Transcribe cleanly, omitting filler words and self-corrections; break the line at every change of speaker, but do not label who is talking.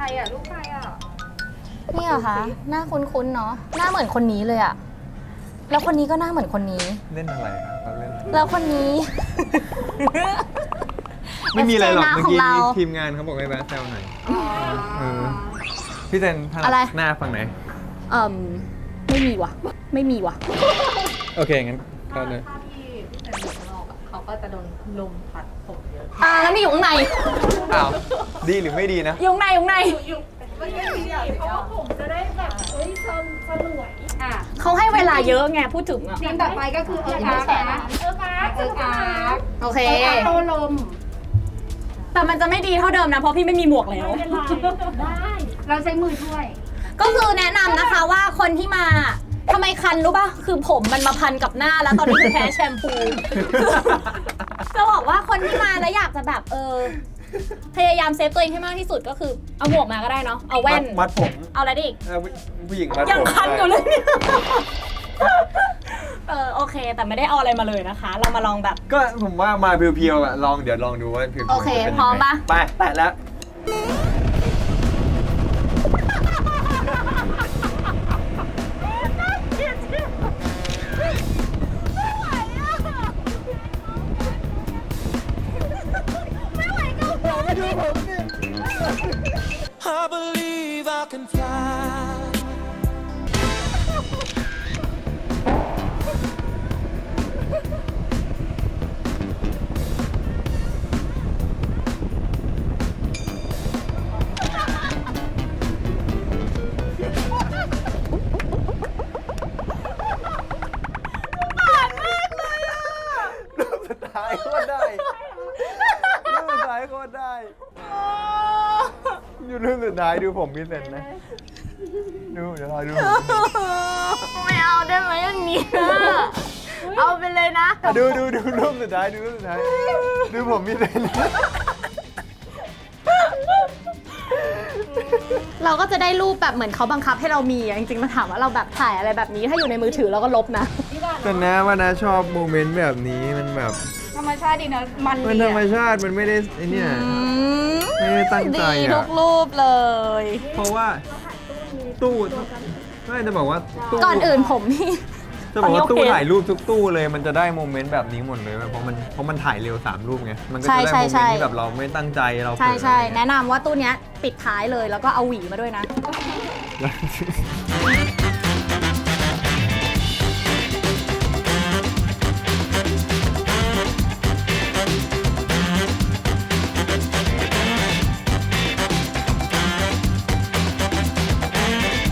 รอ่ะลูกใครอ่ะ
นี่เหรอคะหน้าคุ้นๆเนาะหน้าเหมือนคนนี้เลยอะแล้วคนนี้ก็หน้าเหมือนคนนี้
เล่นอะไรครับเล่น
แล้วคนนี้
ไม่มีอะไรหรอก
FJ
เมื่อกี้
ของเรา
ทีมงานเขาบอกให้แวะแซวหน่อยพี่เจนถนั
อะไร
ดหน้าฝั่งไหน
ไม่มีว่ะ ไม่มีว่ะ
โอเคงั้นเข้าเลย
ถ้าพี่เป็นอยู่ข้างนอกอ่ะเขาก็จะโดนลมพัดผมเยอะ
งั้นไม่อยู่ข้างใน
อ้าวดีหรือไม่ดีนะ
อยู่ข้างในอยู่ข้างใน
ไม่ได้เพราะว่าผมจะได้แบบสลวยอ่ะ
เขาให้เวลาเยอะไงพูดถึงอะ
ทีมต่อไปก็คือเอิร์กอาร์นะเอิร์กอาร์
โอเค
โตลม
แต่มันจะไม่ดีเท่าเดิมนะเพราะพี่ไม่มีหมวกแล้ว
ไม่เป็นไรได้เราใช้มือช่วย
ก็คือแนะนำนะคะว่าคนที่มาทำไมคันรู้ป่ะ คือผมมันมาพันกับหน้าแล้วตอนนี้คือแพ้แชมพู จะบอกว่าคนที่มาแล้วอยากจะแบบพยายามเซฟตัวเองให้มากที่สุดก็คือเอาหมวกมาก็ได้เนาะเอาแว่น
มัดผม
เอาอะไรดิ
ผู้หญิงมัดผม
ยังคันอยู่เลยเนี่ยโอเค แต่ไม่ได้เอาอะไรมาเลยนะคะ เรามาลองแบบ
ก็ผมว่ามาเพียวๆอะเดี๋ยวลองดูว่าเพียวๆ
โอเค
จะป็นยังไง
พร้อมปะ
ไปแตะแล้ว
I believe I can fly.
รูปสุดท้ายโคตรได้รูปสุดท้ายโคตรได้อยู่รูปสุดท้ายดูผมพี่เซนนะดูเดี๋ยวรอดู
ไม่เอาได้ไหมอย่างนี้เอาไปเลยนะ
ดูรูปสุดท้ายดูรูปสุดท้ายดูผมพี่เซน
เราก็จะได้รูปแบบเหมือนเขาบังคับให้เรามีอะจริงๆมาถามว่าเราแบบถ่ายอะไรแบบนี้ถ้าอยู่ในมือถือเราก็ลบนะ
แต่นะว่านะชอบโมเมนต์แบบนี้มันแบบ
ธรรมชาติดีนะมัน
มัน
ดี
ธรรม
อ่ะ
ชาติมันไม่ได้ไอ้เนี่ย ไม่ได้ตั้งใจ
ดี
อะ
ทุกรูปเลย
เพราะว่าตู้ไม่จะบอกว่าตู้
ก่อนอื่นผมนี่
จะบอกว่า
ตอนนี้โอเค
ตู้ถ่ายรูปทุกตู้เลยมันจะได้โมเมนต์แบบนี้หมดเลยเพราะมันถ่ายเร็ว3รูปไงมันก็จะได้โมเมนต์ที่แบบเราไม่ตั้งใจเราเผล
ใช่
อ
ใช่
อะไรเงี้ย
แนะนำว่าตู้เนี้ยปิดท้ายเลยแล้วก็เอาหวีมาด้วยนะ